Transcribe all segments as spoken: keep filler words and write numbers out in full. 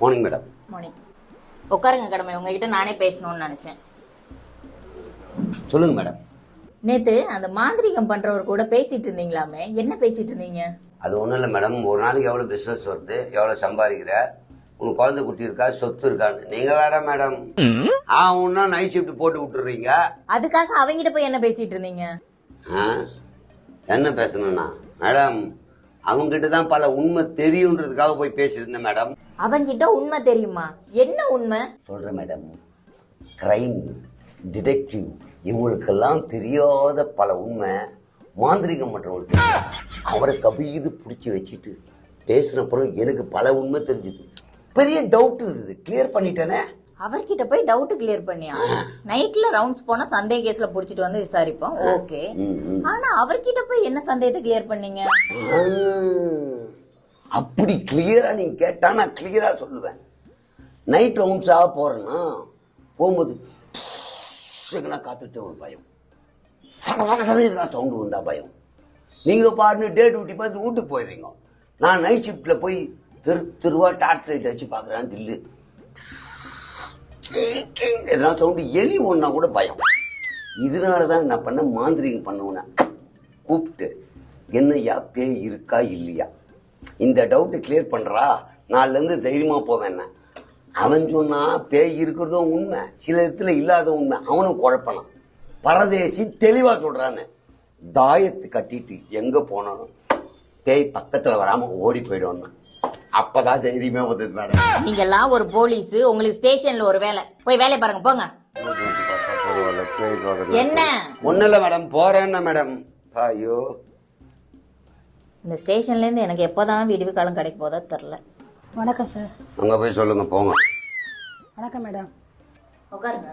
Morning madam. Morning. உட்காருங்க கடமை, உங்ககிட்ட நானே பேசணும்னு நினைச்சேன். சொல்லுங்க மேடம். நேத்து அந்த மாந்திரிகம் பண்றவர் கூட பேசிட்டு இருந்தீங்களாமே, என்ன பேசிட்டு இருந்தீங்க? அது ஒன்றும் இல்லை மேடம். ஒரு நாளைக்கு எவ்வளோ பிஸ்னஸ் வருது, எவ்வளோ சம்பாதிக்கிற, உனக்கு குழந்தை குட்டி இருக்கா, சொத்து இருக்கான்னு. நீங்க வேற மேடம், ஆ உன்னா நைட் ஷிஃப்ட் போட்டு விட்டுறீங்க. அதுக்காக அவங்கிட்ட போய் என்ன பேசிட்டு இருந்தீங்க? என்ன பேசணும்னா மேடம், அவங்ககிட்ட தான் பல உண்மை தெரியுன்றதுக்காக போய் பேசியிருந்தேன் மேடம். அவங்கிட்ட உண்மை தெரியுமா? என்ன உண்மை சொல்றேன் மேடம். கிரைம் டிடெக்டிவ் இவங்களுக்கெல்லாம் தெரியாத பல உண்மை மாந்திரிகம் மற்றவங்களுக்கு அவரை கபீது பிடிச்சி வச்சுட்டு பேசின பிறகு எனக்கு பல உண்மை தெரிஞ்சுது. பெரிய டவுட் இருந்தது, கிளியர் பண்ணிட்டேனே. அவர்கிட்ட போய் டவுட் கிளியர் பண்ணியா? நைட்ல ரவுண்ட்ஸ் போனா சந்தேக கேஸ்ல புடிச்சிட்டு வந்து விசாரிப்போம், ஓகே. ஆனா அவர்கிட்ட போய் என்ன சந்தேகத்தை கிளியர் பண்ணீங்க? அப்படி கிளியரா நீங்க கேட்டா நான் கிளியரா சொல்லுவேன். நைட் ரவுண்ட்ஸா போறேன்னா போகும்போது காத்துட்டு ஒரு பயம், சட சட சட சவுண்டு வந்தா பயம். நீங்க பாருங்க டே டியூட்டி பார்த்து வீட்டுக்கு போயிடுறீங்க. நான் நைட் ஷிஃப்ட்ல போய் தெரு தெருவா டார்ச் லைட் வச்சு பாக்குறேன், தில்லு எதனா சவுண்டு, எலி ஒன்னா கூட பயம். இதனாலதான் நான் பண்ண மாந்திரிகம் பண்ணவன கூப்பிட்டு என்னையா பேய் இருக்கா இல்லையா, இந்த டவுட்டை கிளியர் பண்றா, நாலுல இருந்து தைரியமா போவேன். அவன் சொன்னா பேய் இருக்கிறதும் உண்மை, சில இடத்துல இல்லாத உண்மை. அவனும் குழப்பனான். பரதேசி தெளிவா சொல்றான்னு தாயத்து கட்டிட்டு எங்க போனாலும் பேய் பக்கத்துல வராம ஓடி போயிடுவான். அப்பதான் தைரியமே வந்தது மேடம். நீங்க எல்லாம் ஒரு போலீஸ், உங்களுக்கு ஸ்டேஷன்ல ஒரு வேலை, போய் வேலையை பாருங்க போங்க. என்ன ஒண்ணு இல்ல மேடம், போறேன்னா மேடம். ஐயோ, இந்த ஸ்டேஷன்ல இருந்து எனக்கு எப்போதான் விடுவி காலம் கிடைக்க போதோ தெரியல. வணக்கம் சார். அங்க போய் சொல்லுங்க, போங்க. வணக்கம் மேடம். உட்காருங்க.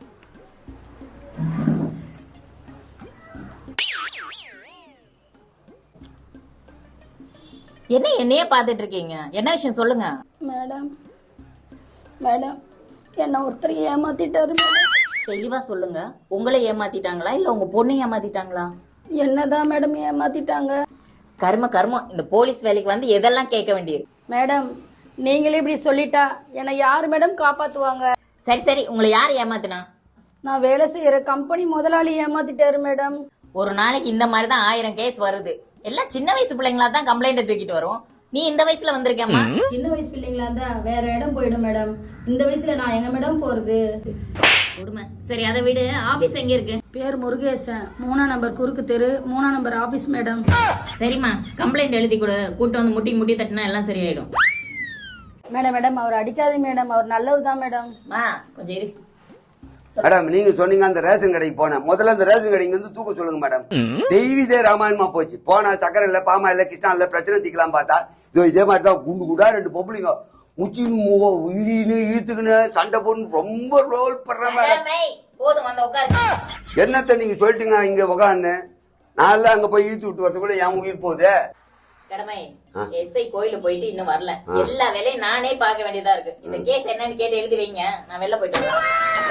என்ன என்னையே பார்த்துட்டு இருக்கீங்க? என்ன விஷயம் சொல்லுங்க. மேடம் மேடம் என்ன ஒருத்தர் ஏமாத்திட்டாரு மேடம். தெளிவா சொல்லுங்க. உங்களை ஏமாத்திட்டாங்களா இல்ல உங்க பொண்ணை ஏமாத்திட்டாங்களா? என்னதான் மேடம் ஏமாத்திட்டாங்க. கர்ம கர்மம், இந்த போலீஸ் வேலைக்கு வந்து எதெல்லாம் கேட்க வேண்டியது. மேடம் நீங்களே இப்படி சொல்லிட்டா என்னை யாரு மேடம் காப்பாத்துவாங்க? சரி சரி, உங்களை யார் ஏமாத்தினா? நான் வேலை செய்யற கம்பெனி முதலாளி ஏமாத்திட்டாரு மேடம். ஒரு நாளைக்கு இந்த மாதிரி தான் ஆயிரம் கேஸ் வருது. எல்லாம் சின்ன வயசு பிள்ளைங்களா தான் கம்ப்ளைண்ட் தூக்கிட்டு வரும். நீ இந்த வயசுல வந்திருக்கேம்மா. சின்ன வயசு பிள்ளைங்களா இருந்தா வேற இடம் போயிடும் மேடம். இந்த வயசுல நான் எங்க மேடம் போறது? விடுமா. சரி அதை விடு, ஆபீஸ் எங்க இருக்கு? பேர் முருகேசன், மூணாம் நம்பர் குறுக்கு தெரு, மூணாம் நம்பர் ஆபீஸ் மேடம். சரிம்மா, கம்ப்ளைண்ட் எழுதி கொடு. கூட்டு வந்து முட்டி முட்டி தட்டினா எல்லாம் சரியாயிடும். மேடம் மேடம் அவர் அடிக்காதீங்க மேடம், அவர் நல்லவர் தான் மேடம். மா கொஞ்சம் இரு. மேடம் நீங்க சொன்னீங்க அந்த ரேஷன் கடைக்கு போனேன். முதல்ல அந்த ரேஷன் கடைக்கு வந்து தூக்க சொல்லுங்க மேடம். டெய்லி இதே ராமாயணமா போச்சு. போனா சக்கரை இல்ல, பாமா இல்ல, கிருஷ்ணா இல்ல, பிரச்சனை தீக்கலாம் பார்த்தா இதோ இதே மாதிரி தான் குண்டு குண்டா ரெண்டு பொம்பளைங்க முச்சி இடின்னு ஈத்துக்குன்னு சண்டை போட்டு ரொம்ப ரோல் பண்ற மேடம். போதும் வந்து உட்காருங்க. என்னத்த நீங்க சொல்லிட்டீங்க இங்க உட்காந்து, நான் அங்க போய் ஈத்து விட்டு வரதுக்குள்ள என் உயிர் போகுது. கடமை எஸ்ஐ கோயிலு போயிட்டு இன்னும் வரல. எல்லா வேலையும் நானே பார்க்க வேண்டியதா இருக்கு. இந்த கேஸ் என்னன்னு கேட்டு எழுதி வைங்க, நான் வெளில போயிட்டு வரேன்.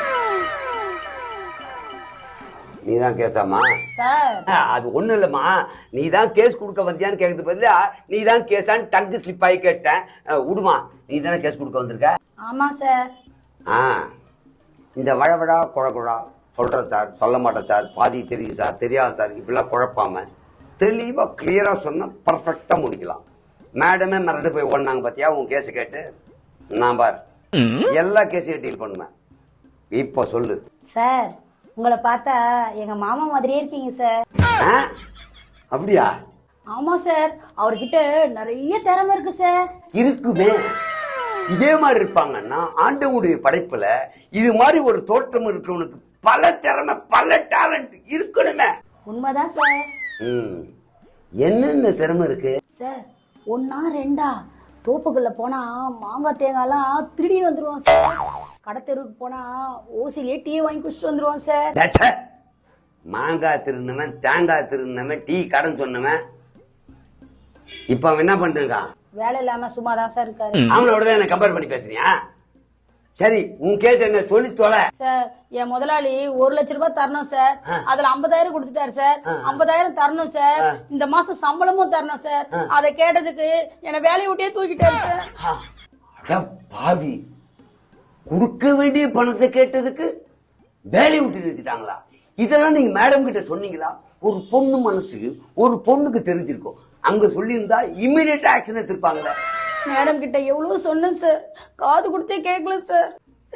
நீதான் கேஸாமா? அது ஒண்ணு இல்லம்மா, நீதான் கேஸ் கொடுக்க வந்தியான்னு கேட்கறது பதிலா நீதான் கேஸான்னு டங்கு ஸ்லிப் ஆகி கேட்டேன். விடுமா, நீ தானே கேஸ் கொடுக்க வந்திருக்க? ஆமா சார். ஆ, இந்த வழவழா குழகுழா சொல்றேன் சார், சொல்ல மாட்டேன் சார், பாதி தெரியும் சார், தெரியாது சார், இப்படிலாம் குழப்பாம தெளிவா கிளியரா சொன்னா பர்ஃபெக்டா முடிக்கலாம். மேடமே மிரண்டு போய் ஓடினாங்க பாத்தியா உன் கேஸை கேட்டு. நான் பார் எல்லா கேஸையும் டீல் பண்ணுவேன். இப்போ சொல்லு சார். உங்களை பார்த்தா எங்க மாமா மாதிரியே இருக்கீங்க சார். அப்படியா? ஆமா சார், அவர்கிட்ட நிறைய திறமை இருக்கு சார். இருக்குமே, இதே மாதிரி இருப்பாங்கன்னா ஆண்டவனுடைய படைப்புல இது மாதிரி ஒரு தோற்றம் இருக்கிறவனுக்கு பல திறமை பல டேலண்ட் இருக்கணுமே. உண்மைதான் சார். ம், என்னென்ன திறமை இருக்கு சார்? ஒன்னா ரெண்டா? தோப்புக்குள்ள போனா மாங்காய் தேங்காய்லாம் திருடி வந்துருவான் சார். கடத்தெருவுக்கு போனா ஓசிலே டீ வாங்கி குடிச்சிட்டு வந்துருவான் சார். மாங்காய் திருந்தவன், தேங்காய் திருந்தவன், டீ கடன் சொன்னவன் இப்ப அவன் என்ன பண்றான்? வேலை இல்லாம சும்மா தான் சார் இருக்காரு. அவனோட தான் என்ன கம்பேர் பண்ணி பேசுறியா? சரி, உன் கேஸ் என்ன சொல்லி தொலை. சார், என் முதலாளி ஒரு லட்சம் ரூபாய் தரணும் சார். அதுல ஐம்பதாயிரம் கொடுத்துட்டாரு சார். ஐம்பதாயிரம் தரணும் சார். இந்த மாசம் சம்பளமும் தரணும் சார். அதை கேட்டதுக்கு என்ன வேலையை விட்டே தூக்கிட்டாரு சார். அட பாவி, கொடுக்க வேண்டிய பணத்தை கேட்டதுக்கு வேலையை விட்டு நிறுத்திட்டாங்களா? இதெல்லாம் நீங்க மேடம் கிட்ட சொன்னீங்களா? ஒரு பொண்ணு மனசு ஒரு பொண்ணுக்கு தெரிஞ்சிருக்கும், அங்க சொல்லியிருந்தா இம்மிடியட் ஆக்ஷன் எடுத்திருப்பாங்களே. மேடம் கிட்ட எவ்வளவு சொன்னேன் சார், காது கொடுத்தே கேட்கல சார்.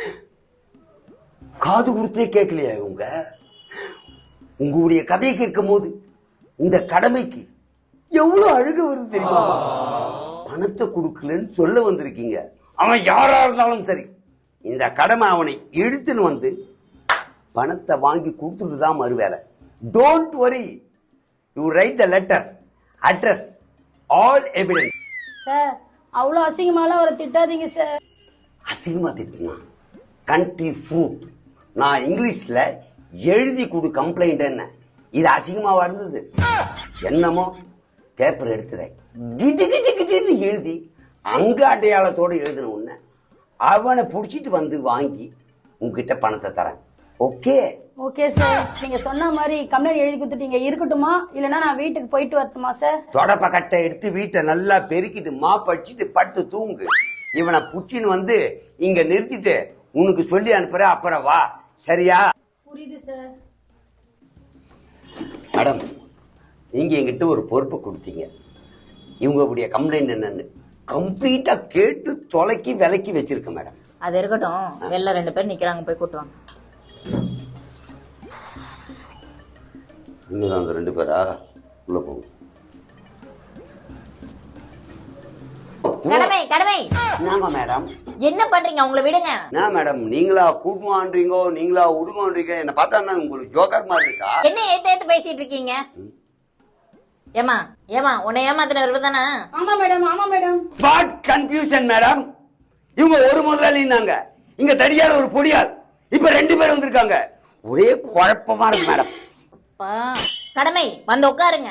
காது கொடுத்தே கேட்கலையா இவங்க? உங்களுடைய கதையை கேட்கும் போது இந்த கடமைக்கு எவ்வளவு அழுக வருது தெரியுமா? பணத்தை கொடுக்கலன்னு சொல்ல வந்திருக்கீங்க. அவன் யாரா இருந்தாலும் சரி, இந்த கடமை அவனை இழுத்துன்னு வந்து பணத்தை வாங்கி கொடுத்துட்டு தான் மறுவேலை. Don't worry, you write the letter, address, all evidence. Sir அவ்வளோ அசிங்கமாலாம் அவரை திட்டாதீங்க சார். அசிங்கமா திட்டுனா கண்ட்ரி ஃப்ரூட். நான் இங்கிலீஷ்ல எழுதி கொடு கம்ப்ளைண்ட் என்ன, இது அசிங்கமாவா இருந்தது? என்னமோ பேப்பர் எடுத்துறேன், கிட்டு கிட்டு கிட்டு எழுதி அங்க அடையாளத்தோடு எழுதின உடனே அவனை பிடிச்சிட்டு வந்து வாங்கி உங்ககிட்ட பணத்தை தரேன். ஓகே ஓகே சார், நீங்க சொன்ன மாதிரி கம்ப்ளைண்ட் எழுதி கொடுத்துட்டீங்க, இருக்கட்டுமா? இல்லைன்னா நான் வீட்டுக்கு போயிட்டு வரட்டுமா சார்? தொடப்ப கட்டை எடுத்து வீட்டை நல்லா பெருக்கிட்டு மாப் அடிச்சிட்டு பட்டு தூங்கு. இவனை புச்சின்னு வந்து இங்க நிறுத்திட்டு உனக்கு சொல்லி அனுப்புற, அப்புறம் வா. சரியா? புரியுது சார். மேடம், நீங்க என்கிட்ட ஒரு பொறுப்பு கொடுத்தீங்க. இவங்க உடைய கம்ப்ளைண்ட் என்னன்னு கம்ப்ளீட்டா கேட்டு தொலைக்கி விலைக்கு வச்சிருக்க மேடம். அது இருக்கட்டும், வெளில ரெண்டு பேர் நிக்கிறாங்க, போய் கூட்டுவாங்க. இன்னும் அந்த ரெண்டு பேரா உள்ள போகும். கடமை கடமை. நாங்க மேடம் என்ன பண்றீங்க? அவங்கள விடுங்க. என்ன மேடம், நீங்களா கூட்டுவான்றீங்கோ, நீங்களா உடுங்கன்றீங்க. என்ன பார்த்தா உங்களுக்கு ஜோக்கர் மாதிரி இருக்கா? என்ன ஏத்து ஏத்து பேசிட்டு இருக்கீங்க? ஏமா ஏமா உன்னை ஏமாத்தினவர் தானே? ஆமா மேடம், ஆமா மேடம். What confusion madam? இவங்க ஒரு முதலாளினாங்க, இங்க தடியால ஒரு பொடியால், இப்ப ரெண்டு பேரும் வந்திருக்காங்க. ஒரே குழப்பமா இருக்கு மேடம். கடமை வந்து உட்காருங்க.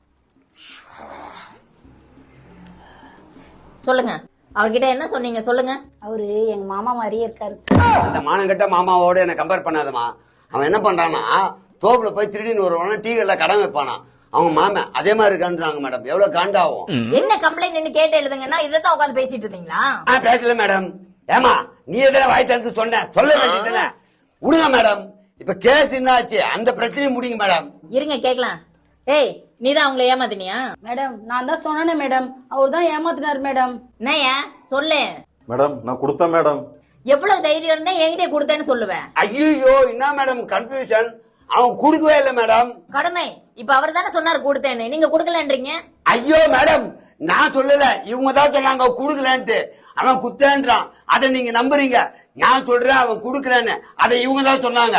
சொல்லுங்க, அவர்கிட்ட என்ன சொன்னீங்க? சொல்லுங்க. அவரு எங்க மாமா மாதிரியே இருக்காரு. அந்த மானங்கட்ட மாமாவோட என்ன கம்பேர் பண்ணாதமா. அவன் என்ன பண்றானா, தோப்புல போய் திருடின்னு வருவானா, டீ கடையில கடன் வைப்பானா. அவங்க மாமன் அதே மாதிரி இருக்கான்றாங்க மேடம். எவ்வளவு காண்டாவும். என்ன கம்ப்ளைண்ட் கேட்டு எழுதுங்கன்னா இதான் உட்காந்து பேசிட்டு இருந்தீங்களா? பேசல மேடம். ஏமா நீ எதனா வாய் தந்து சொன்ன, சொல்ல வேண்டியதுதானே? விடுங்க மேடம், இப்ப கேஸ் என்ன ஆச்சு, அந்த பிரச்சனையும் முடிங்க மேடம். இருங்க கேக்கலாம். ஏய், நீதான் அவங்கள ஏமாத்தினியா? மேடம் நான் தான் சொன்னேனே மேடம், அவர் தான் ஏமாத்தினார் மேடம். என்னையா சொல்லு. மேடம் நான் கொடுத்தேன் மேடம். எவ்வளவு தைரியம் இருந்தா என்கிட்ட கொடுத்தேன்னு சொல்லுவேன். ஐயோ என்ன மேடம் கன்ஃபியூஷன், அவன் குடுக்கவே இல்லை மேடம். கடமை, இப்ப அவர் தானே சொன்னாரு கொடுத்தேன்னு, நீங்க குடுக்கலன்றீங்க. ஐயோ மேடம், நான் சொல்லல, இவங்க தான் சொன்னாங்க குடுக்கலன்ட்டு. அவன் குத்தேன்றான், அதை நீங்க நம்புறீங்க. நான் சொல்றேன் அவன் குடுக்கலன்னு, அதை இவங்க தான் சொன்னாங்க.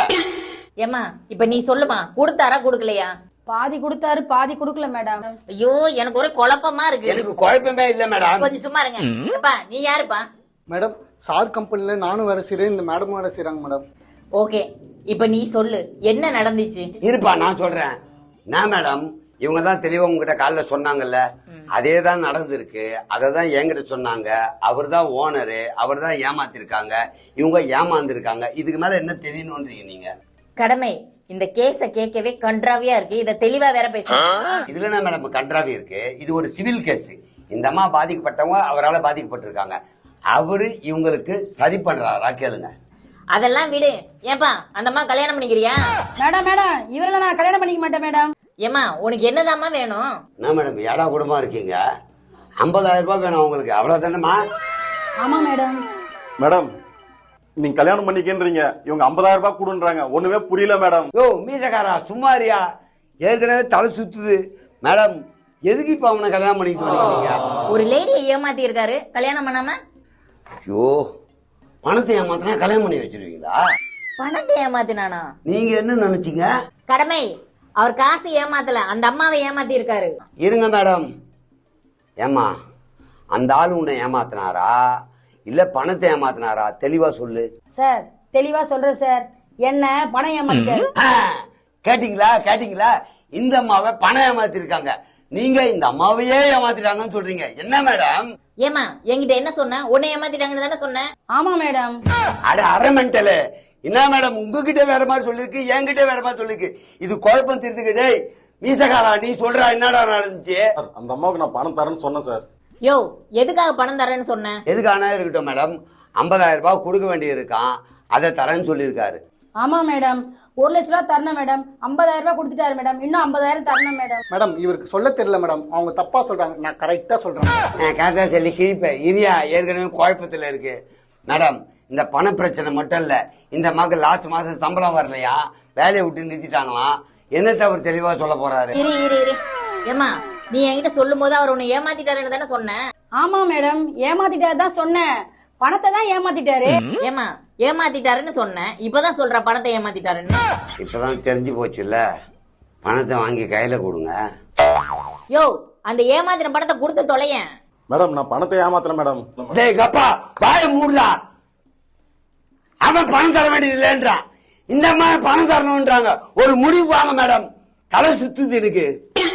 ஏமா இப்ப நீ சொல்லுமா, கொடுத்தாரா கொடுக்கலையா? பாதி கொடுத்தாரு, பாதி கொடுக்கல மேடம். ஐயோ எனக்கு ஒரே குழப்பமா இருக்கு. எனக்கு குழப்பமே இல்ல மேடம். கொஞ்சம் சும்மா இருங்க. அப்பா நீ யாருப்பா? மேடம் சார் கம்பெனில நானும் வேலை செய்யறேன், இந்த மேடமும் வேலை செய்யறாங்க மேடம். ஓகே, இப்ப நீ சொல்லு என்ன நடந்துச்சு. இருப்பா நான் சொல்றேன். நான் மேடம், இவங்க தான் தெளிவா உங்ககிட்ட காலைல சொன்னாங்கல்ல, அதே தான் நடந்திருக்கு. அதை தான் என்கிட்ட சொன்னாங்க. அவர் தான் ஓனரு, அவர் தான் ஏமாத்திருக்காங்க, இவங்க ஏமாந்துருக்காங்க. இதுக்கு மேல என்ன தெரியணும்ன்றீங்க நீங்க? கடமை, இந்த கேஸ கேட்கவே கன்றாவியா இருக்கு, இத தெளிவா வேற பேசணும். இதுல என்ன மேடம் கன்றாவி இருக்கு? இது ஒரு சிவில் கேஸ். இந்த அம்மா பாதிக்கப்பட்டவங்க அவரால் பாதிக்கப்பட்டிருக்காங்க. அவரு இவங்களுக்கு சரி பண்றாரா கேளுங்க. அதெல்லாம் விடு. ஏப்பா அந்த அம்மா கல்யாணம் பண்ணிக்கிறியா? மேடம் மேடம் இவரெல்லாம் நான் கல்யாணம் பண்ணிக்க மாட்டேன் மேடம். ஏமா உனக்கு என்னதாம்மா வேணும்? என்ன மேடம் ஏடா குடும்பமா இருக்கீங்க? ஐம்பதாயிரம் ரூபாய் வேணும் உங்களுக்கு, அவ்வளவுதானேமா? ஆமா மேடம். மேடம் நீங்க கல்யாணம் பண்ணிக்கின்றீங்க, இவங்க ஐம்பதாயிரம் ரூபாய் கொடுன்றாங்க, ஒண்ணுமே புரியல மேடம். யோ மீசக்காரா சும்மாரியா, ஏற்கனவே தலை சுத்துது மேடம். எதுக்கு இப்ப அவனை கல்யாணம் பண்ணிட்டு வரீங்க? ஒரு லேடியை ஏமாத்தி இருக்காரு, கல்யாணம் பண்ணாம. ஐயோ, பணத்தை ஏமாத்தினா கல்யாணம் பண்ணி வச்சிருவீங்களா? பணத்தை ஏமாத்தினானா? நீங்க என்ன நினைச்சீங்க? கடமை, அவர் காசு ஏமாத்தல, அந்த அம்மாவை ஏமாத்தி இருக்காரு. இருங்க மேடம். ஏமா அந்த ஆளு உன்னை ஏமாத்தினாரா இல்ல பணத்தை ஏமாத்தினாரா? தெளிவா சொல்லு சார். தெளிவா சொல்றேன் சார், என்ன பணம் ஏமாத்திட்டாரு. கேட்டீங்களா கேட்டீங்களா? இந்த அம்மாவை பணம் ஏமாத்திருக்காங்க, நீங்க இந்த அம்மாவையே ஏமாத்திட்டாங்கன்னு சொல்றீங்க. என்ன மேடம்? ஏமா என்கிட்ட என்ன சொன்ன? உன்னை ஏமாத்திட்டாங்கன்னு தானே சொன்னேன். ஆமா மேடம். அட அரை மென்டலு, என்ன மேடம் உங்ககிட்ட வேற மாதிரி சொல்லிருக்கு, என்கிட்ட வேற மாதிரி சொல்லிருக்கு. இது குழப்பம் தீர்த்துக்கிட்டே. மீசகாரா நீ சொல்றா என்னடா நடந்துச்சு? சார், அந்த அம்மாவுக்கு நான் பணம் தரேன்னு சொன்னேன் சார். யோ எதுக்காக பணம் தரேன்னு சொன்னேன்? எதுக்கான இருக்கட்டும் மேடம், ஐம்பதாயிரம் ரூபாய் கொடுக்க வேண்டிய இருக்கான், அதை தரேன்னு சொல்லியிருக்காரு. ஆமா மேடம், ஒரு லட்ச ரூபா தரணும் மேடம். ஐம்பதாயிரம் ரூபாய் கொடுத்துட்டாரு மேடம், இன்னும் ஐம்பதாயிரம் தரணும் மேடம். மேடம் இவருக்கு சொல்ல தெரியல மேடம், அவங்க தப்பா சொல்றாங்க, நான் கரெக்டா சொல்றேன். நான் கரெக்டாக சொல்லி கிழிப்பேன். இரியா ஏற்கனவே குழப்பத்தில் இருக்கு மேடம். இந்த பண பிரச்சனை மட்டும் இல்லை, இந்த மகள் லாஸ்ட் மாதம் சம்பளம் வரலையா, வேலையை விட்டு நிறுத்திட்டாங்களாம். என்னத்தை அவர் தெளிவாக சொல்ல போறாரு? இரு இரு இரு ஏமா, நீ என்கிட்ட சொல்லும் போது அவர் உன்னை ஏமாத்திட்டாருன்னு தானே சொன்னேன்? ஆமா மேடம், ஏமாத்திட்டாரு தான் சொன்னேன், பணத்தை தான் ஏமாத்திட்டாரு. ஏமா ஏமாத்திட்டாருன்னு சொன்னேன், இப்பதான் சொல்ற பணத்தை ஏமாத்திட்டாருன்னு. இப்பதான் தெரிஞ்சு போச்சுல்ல, பணத்தை வாங்கி கையில கொடுங்க. யோ அந்த ஏமாத்தின பணத்தை கொடுத்து தொலையேன். மேடம் நான் பணத்தை ஏமாத்துறேன் மேடம். டேய் கப்பா, வாய மூடுடா. அவன் பணம் தர வேண்டியது இல்லைன்றான், இந்த மாதிரி பணம் தரணும்ன்றாங்க. ஒரு முடிவு வாங்க மேடம், தலை சுத்துது எனக்கு.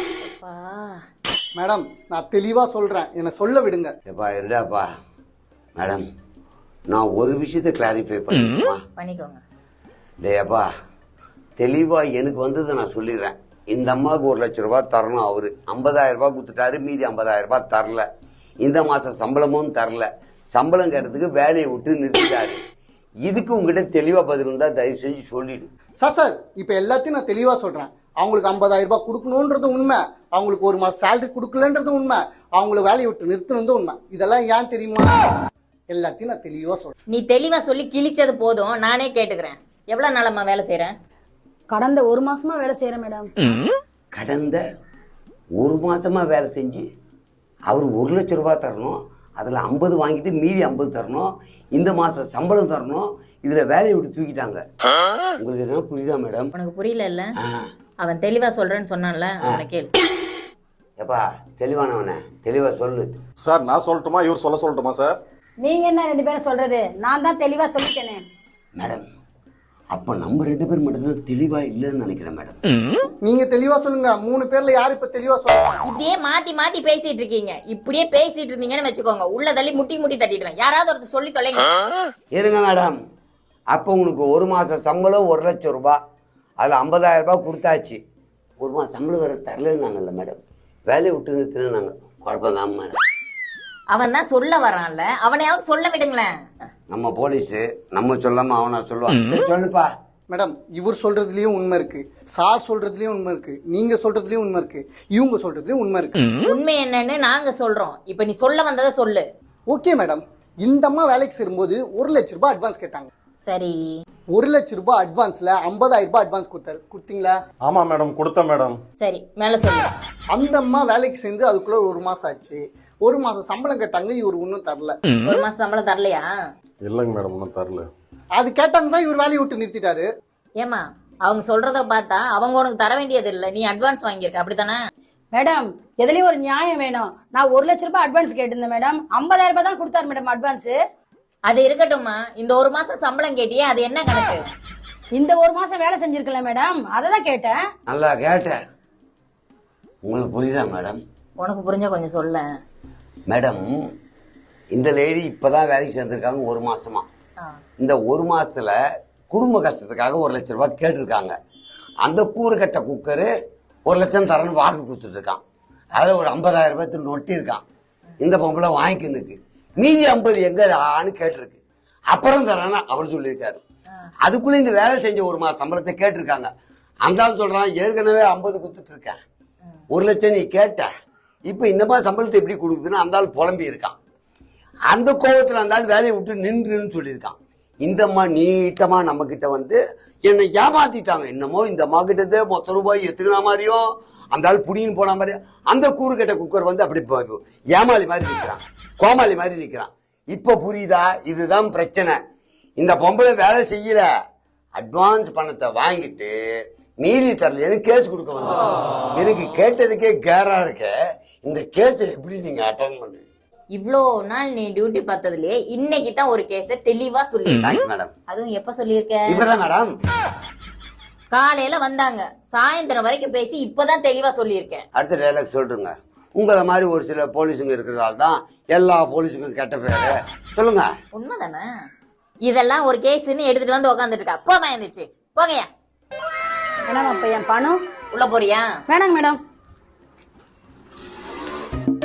மேடம் நான் தெளிவா சொல்றேன், என்ன சொல்ல விடுங்க. எப்பா இருடாப்பா மேடம், நான் ஒரு விஷயத்தை கிளாரிஃபை பண்ணிக்கணுமா? பண்ணிக்கோங்க. டேய் அப்பா, தெளிவா எனக்கு வந்ததை நான் சொல்லிடுறேன். இந்த அம்மாவுக்கு ஒரு லட்ச ரூபாய் தரணும், அவரு ஐம்பதாயிரம் ரூபாய் கொடுத்துட்டாரு, மீதி ஐம்பதாயிரம் ரூபாய் தரல. இந்த மாசம் சம்பளமும் தரல, சம்பளம் கேட்டதுக்கு வேலையை விட்டு நிறுத்திட்டாரு. இதுக்கு உங்ககிட்ட தெளிவா பதில் இருந்தா தயவு செஞ்சு சொல்லிடு. சார் சார் இப்ப எல்லாத்தையும் நான் தெளிவா சொல்றேன். அவங்களுக்கு ஐம்பதாயிரம் ரூபாய் கொடுக்கணும்ன்றது உண்மை, அவங்களுக்கு ஒரு மாசம் சேலரி கொடுக்கலன்றது உண்மை, அவங்கள வேலையை விட்டு நிறுத்தணும் உண்மை. இதெல்லாம் ஏன் தெரியுமா? எல்லாத்தையும் நான் தெளிவா சொல்றேன். நீ தெளிவா சொல்லி கிழிச்சது போதும், நானே கேட்டுக்கிறேன். எவ்வளவு நாளம்மா வேலை செய்யறேன்? கடந்த ஒரு மாசமா வேலை செய்யறேன் மேடம். கடந்த ஒரு மாசமா வேலை செஞ்சு அவர் ஒரு லட்சம் ரூபாய் தரணும், அதில் ஐம்பது வாங்கிட்டு மீதி ஐம்பது தரணும், இந்த மாதம் சம்பளம் தரணும், இதில் வேலையை விட்டு தூக்கிட்டாங்க. உங்களுக்கு என்ன புரியுதா மேடம்? உனக்கு புரியல இல்ல? அவன் தெளிவா சொல்றேன்னு சொன்னான்ல, அவனை கேளு. எப்பா தெளிவானவனே, தெளிவா சொல்லு. சார் நான் சொல்லட்டுமா, இவர் சொல்ல சொல்லட்டுமா சார்? நீங்க என்ன ரெண்டு பேரும் சொல்றது? நான் தான் தெளிவா சொல்லிட்டேனே மேடம். அப்போ நம்ம ரெண்டு பேர் மட்டும்தான் தெளிவா இல்லைன்னு நினைக்கிறேன் மேடம். நீங்க தெளிவா சொல்லுங்க, மூணு பேர்ல யாரு இப்ப தெளிவா சொல்லுங்க? இப்படியே மாத்தி மாத்தி பேசிட்டு இருக்கீங்க. இப்படியே பேசிட்டு இருந்தீங்கன்னு வச்சுக்கோங்க, உள்ள தள்ளி முட்டி முட்டி தட்டிடுவேன். யாராவது ஒருத்தர் சொல்லி தொலைங்க. இருங்க மேடம், அப்போ உங்களுக்கு ஒரு மாதம் சம்பளம் ஒரு லட்சம் ரூபாய், அதில் ஐம்பதாயிரம் ரூபாய் கொடுத்தாச்சு. ஒரு மாதம் சம்பளம் வேறு தரலன்னாங்கல்ல மேடம், வேலையை விட்டு நிறுத்தினாங்க. குழப்பம் தான் மேடம். அவன் தான் சொல்ல வரான்ல, அவனையாவது சொல்ல விடுங்களேன். நம்ம போலீஸு நம்ம சொல்லாம அவனா சொல்லுவான். சரி, சொல்லுப்பா. மேடம் இவர் சொல்றதுலயும் உண்மை இருக்கு, சார் சொல்றதுலயும் உண்மை இருக்கு, நீங்க சொல்றதுலயும் உண்மை இருக்கு, இவங்க சொல்றதுலயும் உண்மை இருக்கு. உண்மை என்னன்னு நாங்க சொல்றோம், இப்ப நீ சொல்ல வந்ததை சொல்லு. ஓகே மேடம், இந்த அம்மா வேலைக்கு சேரும்போது ஒரு லட்ச ரூபாய் அட்வான்ஸ் கேட்டாங்க. சரி, ஒரு லட்ச ரூபாய் அட்வான்ஸ்ல ஐம்பதாயிரம் ரூபாய் அட்வான்ஸ் கொடுத்தாரு, கொடுத்தீங்களா? ஆமா மேடம் கொடுத்தேன் மேடம். சரி மேல சொல்லு. அந்த அம்மா வேலைக்கு சேர்ந்து அதுக்குள்ள ஒரு மாசம் ஆச்சு, ஒரு மாசம் சம்பளம் கேட்டாங்க, இவர் ஒன்னும் தரல. ஒரு மாசம் சம்பளம் தரலையா? இல்லைங்க மேடம், ஒன்றும் தரல. அது கேட்டாங்க தான் இவர் வேலையை விட்டு நிறுத்திட்டாரு. ஏமா அவங்க சொல்றத பார்த்தா அவங்க உனக்கு தர வேண்டியது இல்ல, நீ அட்வான்ஸ் வாங்கியிருக்க, அப்படித்தானே? மேடம் எதுலயும் ஒரு நியாயம் வேணும். நான் ஒரு லட்ச ரூபாய் அட்வான்ஸ் கேட்டிருந்தேன் மேடம், ஐம்பதாயிரம் ரூபாய் தான் கொடுத்தாரு மேடம் அட்வான்ஸ். அது இருக்கட்டும்மா, இந்த ஒரு மாசம் சம்பளம் கேட்டியே, அது என்ன கணக்கு? இந்த ஒரு மாசம் வேலை செஞ்சிருக்கல மேடம், அததான் கேட்டேன். நல்லா கேட்டேன். உங்களுக்கு புரியுதா மேடம்? உனக்கு புரிஞ்சா கொஞ்சம் சொல்ல. மேடம், இந்த லேடி இப்பதான் வேலைக்கு சேர்ந்திருக்காங்க ஒரு மாசமா. இந்த ஒரு மாசத்துல குடும்ப கஷ்டத்துக்காக ஒரு லட்சம் ரூபாய் கேட்டிருக்காங்க. அந்த கூறு கட்ட குக்கரு ஒரு லட்சம் தரன்னு வாக்கு கொடுத்துட்டு இருக்கான். அதுல ஒரு ஐம்பதாயிரம் ரூபாய் நொட்டி இருக்கான். இந்த பொம்பளை வாங்கிக்கினுக்கு மீதி ஐம்பது எங்க ஆன்னு கேட்டிருக்கு. அப்புறம் தரான்னு அவர் சொல்லியிருக்காரு. அதுக்குள்ள இந்த வேலை செஞ்ச ஒரு மாசம் சம்பளத்தை கேட்டிருக்காங்க. அந்த ஆள் சொல்றான், ஏற்கனவே ஐம்பது கொடுத்துட்டு இருக்கேன், ஒரு லட்சம் நீ கேட்ட, இப்ப இந்த மாதிரி சம்பளத்தை எப்படி கொடுக்குதுன்னு அந்த ஆள் புலம்பி இருக்கான். அந்த கோபத்துல அந்த ஆள் வேலையை விட்டு நின்றுன்னு சொல்லியிருக்கான். இந்த அம்மா நீட்டமா நம்ம கிட்ட வந்து என்னை ஏமாத்திட்டாங்க. என்னமோ இந்த அம்மா கிட்டதே மொத்த ரூபாய் எத்துக்கின மாதிரியும் அந்த ஆள் புடின்னு போன மாதிரி அந்த கூறு கட்ட குக்கர் வந்து அப்படி ஏமாளி மாதிரி நிற்கிறான், கோமாளி மாதிரி நிற்கிறான். இப்ப புரியுதா? இதுதான் பிரச்சனை. இந்த பொம்பளை வேலை செய்யல, அட்வான்ஸ் பணத்தை வாங்கிட்டு மீறி தரல, எனக்கு கேஸ் கொடுக்க வந்தோம். எனக்கு கேட்டதுக்கே கேரா இருக்க, இந்த கேஸ் எப்படி நீங்க அட்டன் பண்ணுவீங்க? இவ்ளோ நாள் நீ டியூட்டி பார்த்ததுலயே இன்னைக்கு தான் ஒரு கேஸ தெளிவா சொல்லி. Thanks madam. அதுவும் எப்ப சொல்லியிருக்க? இப்பதான் மேடம். காலையில வந்தாங்க, சாயந்தரம் வரைக்கும் பேசி இப்பதான் தெளிவா சொல்லியிருக்கேன். அடுத்த டைலாக் சொல்றேங்க. உங்களை மாதிரி ஒரு சில போலீஸுங்க இருக்கிறதால தான் எல்லா போலீஸுக்கும் கெட்ட பேரு. சொல்லுங்க. உண்மைதானே? இதெல்லாம் ஒரு கேஸ்ன்னு எடுத்துட்டு வந்து உட்காந்துட்டு இருக்கா. போக இருந்துச்சு, போகையா. மேடம் அப்ப என் பணம் உள்ள போறியா? வேணாங்க மேடம்.